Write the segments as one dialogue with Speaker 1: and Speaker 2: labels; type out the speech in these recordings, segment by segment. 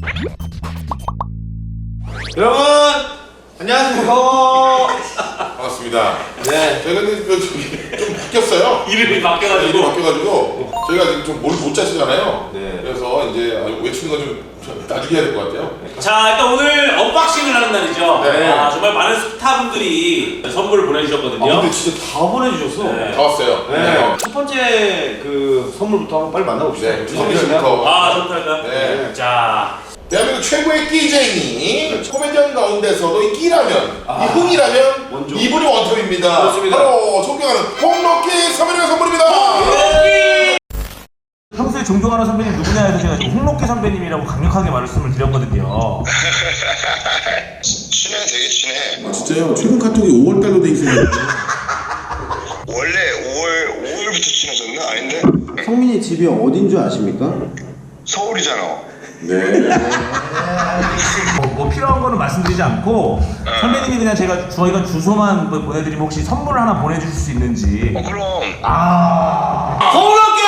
Speaker 1: 여러분 안녕하십니까.
Speaker 2: 반갑습니다.
Speaker 1: 네.
Speaker 2: 저희가 좀 바뀌었어요.
Speaker 1: 이름이 바뀌어가지고
Speaker 2: 저희가 지금 좀 뭘 못 짜시잖아요.
Speaker 1: 네.
Speaker 2: 그래서 이제 외치는 건 좀 나중에 해야 될 것 같아요.
Speaker 3: 자, 일단 오늘 언박싱을 하는 날이죠.
Speaker 2: 네.
Speaker 3: 아, 정말 많은 스타분들이 선물을 보내주셨거든요.
Speaker 1: 근데 진짜 다 보내주셨어.
Speaker 3: 네.
Speaker 2: 다 왔어요.
Speaker 1: 네. 첫 번째 그 선물부터 한번 빨리 만나봅시다.
Speaker 2: 네. 주성민 씨부터.
Speaker 3: 아, 좋다.
Speaker 2: 네.
Speaker 3: 자,
Speaker 2: 대한민국 최고의 끼쟁이 코미디언 가운데서도 이 끼라면 이 흥이라면
Speaker 1: 원조.
Speaker 2: 이분이 원톱입니다.
Speaker 1: 그렇습니다.
Speaker 2: 바로 존경하는 홍록기 선배님의 선물입니다.
Speaker 3: 평소에 존경하는 선배님 누구냐 해서 제가 지금 홍록기 선배님이라고 강력하게 말씀을 드렸거든요.
Speaker 4: 친해, 되게 친해.
Speaker 5: 아, 진짜요? 최근 카톡이 5월달로 돼 있어요.
Speaker 4: 원래 5월부터 친해졌나? 아닌데?
Speaker 6: 성민이 집이 어딘 줄 아십니까?
Speaker 4: 서울이잖아.
Speaker 5: 네.
Speaker 3: 뭐 필요한 거는 말씀드리지 않고 선배님이 그냥 저희가 주소만 보내드리면 혹시 선물 하나 보내주실 수 있는지.
Speaker 4: 그럼.
Speaker 3: 홍록기!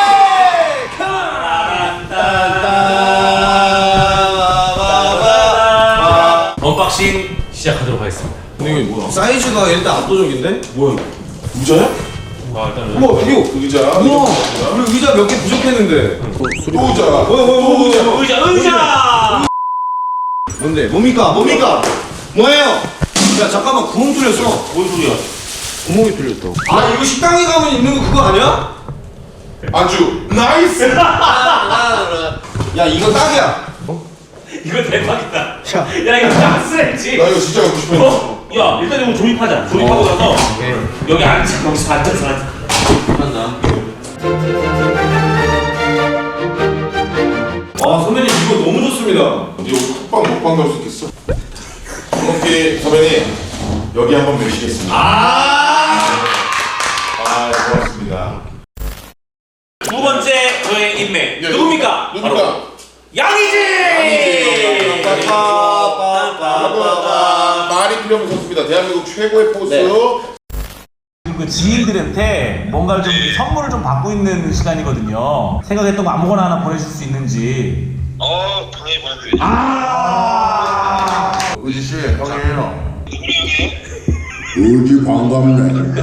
Speaker 3: 언박싱 시작하도록 하겠습니다.
Speaker 1: 이게 뭐야? 사이즈가 일단 압도적인데? 뭐야?
Speaker 2: 의자야?
Speaker 3: 아, 일단은
Speaker 1: 우와 이거
Speaker 2: 의자.
Speaker 1: 우와 우리 의자 몇 개 부족했는데.
Speaker 2: 또 의자.
Speaker 1: 뭐야?
Speaker 3: 의자!
Speaker 1: 뭔데? 뭡니까? 뭐예요? 야 잠깐만 구멍 뚫렸어.
Speaker 3: 뭔 소리야?
Speaker 1: 구멍이 뚫렸어. 아 이거 식당에 가면 있는 거 그거 아니야?
Speaker 2: 안주. 나이스.
Speaker 1: 야 이거 딱이야.
Speaker 3: 이거 대박이다. 야, 이거 짱쓰레지.
Speaker 2: 나 이거 진짜 갖고 싶어.
Speaker 3: 어? 야, 일단 이거 조립하자. 조립하고 나서 여기 앉자. 여기서 앉아서 앉자.
Speaker 1: 한다. 아 선배님 이거 너무 좋습니다.
Speaker 2: 이거 톡방 먹방 갈 수 있겠어? 홍록기 선배님 여기 한번 모시겠습니다. 고맙습니다.
Speaker 3: 두 번째 저의 인맥.
Speaker 2: 예,
Speaker 3: 누굽니까?
Speaker 2: 누굽니까?
Speaker 3: 바로 양이지!
Speaker 2: 말이 필요 없는 선수입니다. 대한민국 최고의 포수.
Speaker 3: 그 지인들한테 뭔가를 좀 선물을 좀 받고 있는 시간이거든요. 생각했던 거 아무거나 하나 보내줄 수 있는지.
Speaker 4: 당연히 보내드리죠.
Speaker 2: 의지씨 형이에요.
Speaker 5: 의지 반갑네.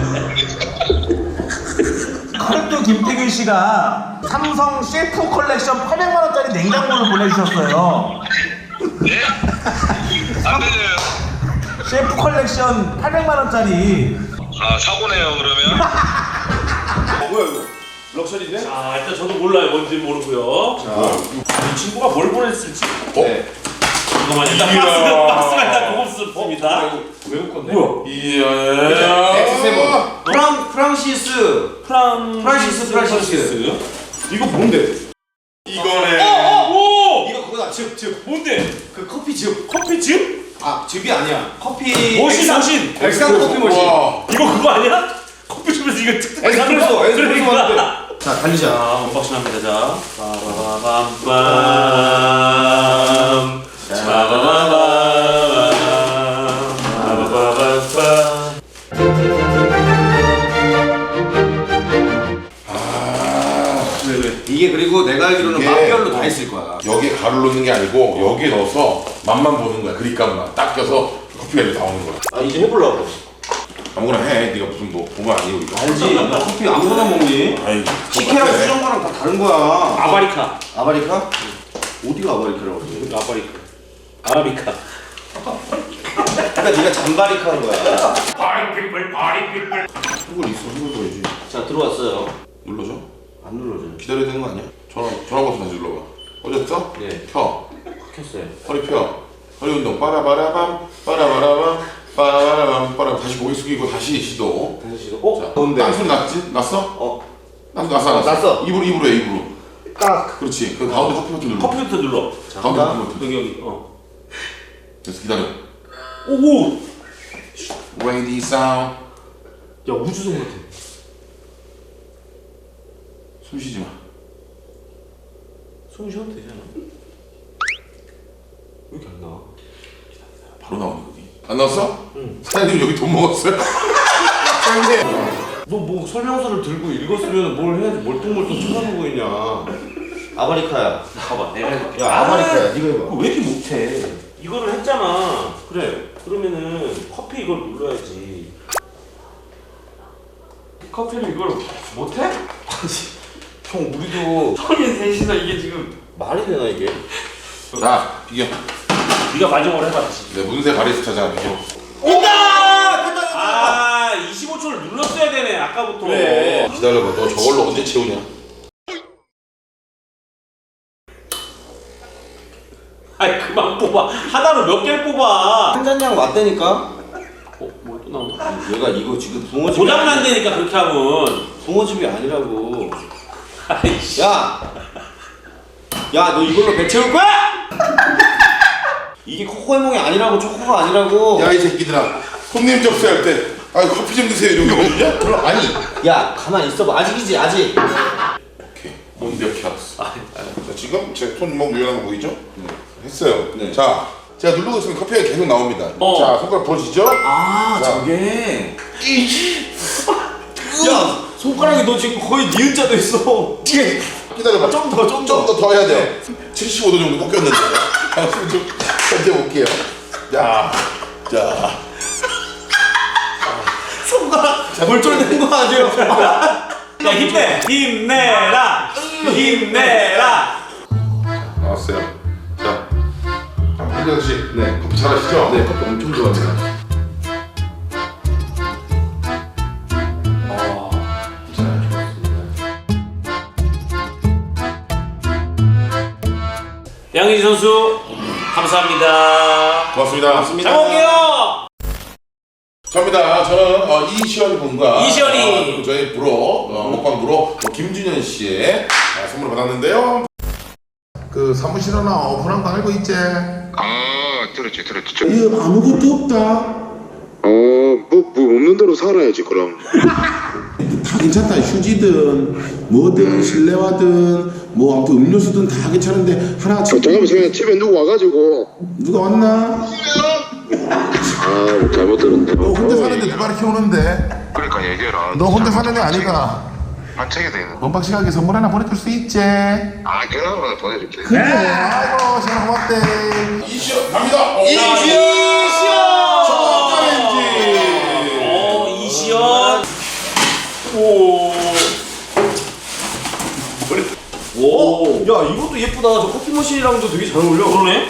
Speaker 3: 카르트 김태균 씨가 삼성 셰프 컬렉션 800만 원짜리 냉장고를 보내주셨어요.
Speaker 4: 네? 안 되네요.
Speaker 3: 셰프 컬렉션 800만 원짜리.
Speaker 4: 사고네요, 그러면.
Speaker 1: 뭐야 이거? 럭셔리인데?
Speaker 3: 자, 일단 저도 몰라요. 뭔지 모르고요. 이 친구가 뭘 보냈을지.
Speaker 2: 네.
Speaker 3: 잠깐만, 일단
Speaker 2: 이야.
Speaker 3: 박스가 일단 고급스럽습니다.
Speaker 1: 외국 건데?
Speaker 3: 뭐야?
Speaker 2: 이야.
Speaker 1: X7 프랑시스. 이거 뭔데?
Speaker 2: 이거네.
Speaker 3: 오!
Speaker 1: 이거 그거다 즙
Speaker 3: 뭔데?
Speaker 1: 그 커피즙.
Speaker 3: 커피즙?
Speaker 1: 아 즙이 아니야 커피
Speaker 3: 머신.
Speaker 1: 엑스트라 커피 머신.
Speaker 2: 와.
Speaker 3: 이거 그거 아니야? 커피숍에서 이거
Speaker 1: 에스프레소 맞는데. 자 달리자.
Speaker 3: 자, 언박싱 합니다. 자, 빠바바밤빰.
Speaker 1: 이게 그리고 내가 알기로는
Speaker 2: 이게-
Speaker 1: 맛별로 다 있을 거야.
Speaker 2: 여기에 가루를 넣는 게 아니고 여기에 넣어서 맛만 보는 거야. 그립감만 딱 껴서 커피가 이렇게 나오는 거야.
Speaker 1: 아 이제 해보려고.
Speaker 2: 아무거나 해. 네가 무슨 뭐 보면 아니고 이거.
Speaker 1: 알지? 나 커피 아무거나 먹니?
Speaker 2: 아이.
Speaker 1: 치케랑
Speaker 2: 똑같아.
Speaker 1: 수정과랑 다 다른 거야.
Speaker 3: 아바리카.
Speaker 1: 아바리카? 어디가 아바리카라고 그러지?
Speaker 3: 아바리카. 아라비카.
Speaker 1: 그러니까 네가 잠바리카 한 거야.
Speaker 3: 파리피플.
Speaker 2: 한글 있어. 한글 보여야지.
Speaker 1: 자 들어왔어요.
Speaker 2: 눌러줘.
Speaker 1: 안 눌러줘요.
Speaker 2: 기다려야 되는 거 아니야? 전화 버튼 다시 눌러봐. 어졌어?
Speaker 1: 네.
Speaker 2: 켜.
Speaker 1: 켰어요.
Speaker 2: 허리 펴. 허리 운동. 빠라바라밤. 빠라바라밤. 빠라바라밤. 빠라. 다시 고개 숙이고 다시 시도.
Speaker 1: 다시 시도.
Speaker 2: 자,
Speaker 1: 뭔데?
Speaker 2: 땅 소리 났지? 났어?
Speaker 1: 어.
Speaker 2: 났어.
Speaker 1: 났어.
Speaker 2: 입으로 해. 입으로.
Speaker 1: 딱.
Speaker 2: 그렇지. 그 가운데 커피 버튼 눌러.
Speaker 3: 커피부터 눌러.
Speaker 2: 가운데 커피 버튼.
Speaker 3: 여기.
Speaker 2: 그래서 기다려.
Speaker 3: 오.
Speaker 2: Ready sound.
Speaker 1: 야 우주선 같아.
Speaker 2: 숨 쉬지 마.
Speaker 1: 숨 쉬어도 되잖아. 왜 이렇게 안 나와?
Speaker 2: 바로 나오네 거기. 안 나왔어? 응. 사장님 여기 돈 먹었어요? 사장님.
Speaker 1: 너 뭐 설명서를 들고 읽었으면 뭘 해야지 멀뚱멀뚱 쳐다보고 있냐.
Speaker 6: 아바리카야.
Speaker 3: 봐봐, 내가 해볼게.
Speaker 6: 야 아바리카야. 네가 해봐.
Speaker 3: 왜 이렇게 못해? 이거를 했잖아. 그래. 그러면은 커피 이걸 눌러야지. 커피를 이걸 못해?
Speaker 1: 형 우리도
Speaker 3: 성인 셋이서 이게 지금
Speaker 6: 말이 되나 이게?
Speaker 2: 자 비교.
Speaker 3: 네가 마지막으로 해봐 다시.
Speaker 2: 네 문세 바리스타잖아 비교.
Speaker 3: 아 25초를 눌렀어야 되네 아까부터.
Speaker 6: 그래.
Speaker 2: 기다려봐. 너 저걸로 언제 채우냐?
Speaker 3: 아이 그만 뽑아. 하나로 몇 개를 뽑아.
Speaker 6: 한 잔량 맞다니까?
Speaker 3: 뭐 또 나온다.
Speaker 6: 얘가 이거 지금 붕어집이
Speaker 3: 고장난다니까 그렇게 하면.
Speaker 6: 붕어집이 아니라고.
Speaker 3: 아이씨.
Speaker 6: 야 너 이걸로 배 채울 거야? 이게 코코해몽이 아니라고 초코가 아니라고.
Speaker 2: 야 이 새끼들아. 손님 접수할 때 아 커피 좀 드세요 이런 거 거든요? 그럼 아니.
Speaker 6: 야 가만 있어봐. 아직이지 아직.
Speaker 2: 오케이. 뭔데 이렇게 알았어. 자 지금 제 손목 유연한 거 보이죠? 했어요.
Speaker 6: 네.
Speaker 2: 자 제가 누르고 있으면 커피가 계속 나옵니다. 자 손가락 보시죠?
Speaker 6: 아
Speaker 2: 자.
Speaker 6: 저게. 야 손가락이 너 지금 거의 니은자도 있어.
Speaker 2: 기다려봐.
Speaker 6: 좀
Speaker 2: 더 해야 돼요. 75도 정도 꺾였는데. 좀 견뎌볼게요. 자.
Speaker 6: 손가락 골절된 거 아니에요?
Speaker 3: 야 힘내. 힘내라. 힘내라.
Speaker 2: 나왔어요. 자. 한정 씨.
Speaker 6: 네.
Speaker 2: 커피 잘하시죠?
Speaker 6: 네 커피 엄청 좋아합니다.
Speaker 3: 양희지 선수 감사합니다.
Speaker 2: 고맙습니다.
Speaker 3: 잘 먹을게요.
Speaker 2: 저입니다. 저는 이시연 군과
Speaker 3: 이시연이.
Speaker 2: 그리고 저희 브로 먹방 브로 김준현 씨의 선물을 받았는데요. 그 사무실이나 오픈한 거 알고 있지?
Speaker 4: 아 들었지.
Speaker 5: 이거 아무것도 없다.
Speaker 7: 뭐 없는 대로 살아야지 그럼.
Speaker 5: 다 괜찮다. 휴지든 뭐든 실내화든 뭐 아무튼 음료수든 다 괜찮은데 하나
Speaker 7: 잠깐만 집에 누구 와가지고
Speaker 5: 누가 왔나?
Speaker 7: 잘못 들었네.
Speaker 2: 너 혼자 사는데 누가 이렇게 오는데?
Speaker 4: 그러니까 얘기해라.
Speaker 2: 너 혼자 사는 애 아니가?
Speaker 4: 만책이 되는.
Speaker 2: 원박식하게 선물 하나 보내줄 수 있지?
Speaker 4: 아 그나마 보내줄게.
Speaker 2: 그래. 아이고 전화 고맙대. 이시연 갑니다.
Speaker 3: 이시연.
Speaker 2: 챌린지.
Speaker 3: 이시연. 오.
Speaker 6: 오. 야 이것도 예쁘다. 저 커피 머신이랑도 되게 잘 어울려.
Speaker 3: 그러네.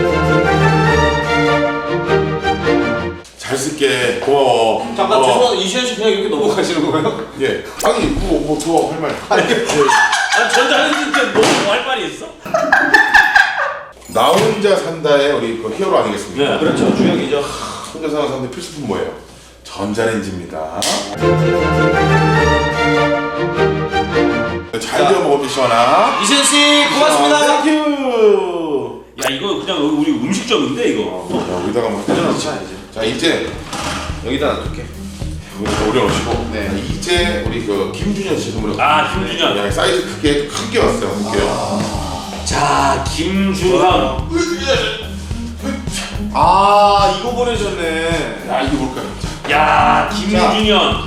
Speaker 2: 잘 쓸게. 고마워.
Speaker 6: 잠깐 죄송한데 이시현 씨 그냥 이렇게 넘어가시는 거예요?
Speaker 2: 예. 아니 뭐 할 말.
Speaker 3: 아 전자레인지 너무 할 말이 있어?
Speaker 2: 나 혼자 산다의 우리 그 히어로 아니겠습니까?
Speaker 3: 네.
Speaker 6: 그렇죠 주역이죠.
Speaker 2: 혼자 사는 사람들 필수품 뭐예요? 전자레인지입니다. 잘 되어 먹어도 시원하.
Speaker 6: 이시현 씨 고맙습니다.
Speaker 2: 땡큐.
Speaker 3: 야 이거 그냥 우리 음식점인데 이거.
Speaker 2: 자, 여기다가 뭐 해줘놓자 이제. 자 이제
Speaker 6: 여기다 놔둘게.
Speaker 2: 여기다 올려놓으시고. 네. 이제 우리 그 김준현 씨 선물을.
Speaker 3: 아 김준현.
Speaker 2: 야, 사이즈 크게 크게 왔어요. 볼게요.
Speaker 3: 자 김준현.
Speaker 6: 아 이거 보내셨네.
Speaker 2: 야 이게 뭘까요?
Speaker 3: 야 김준현.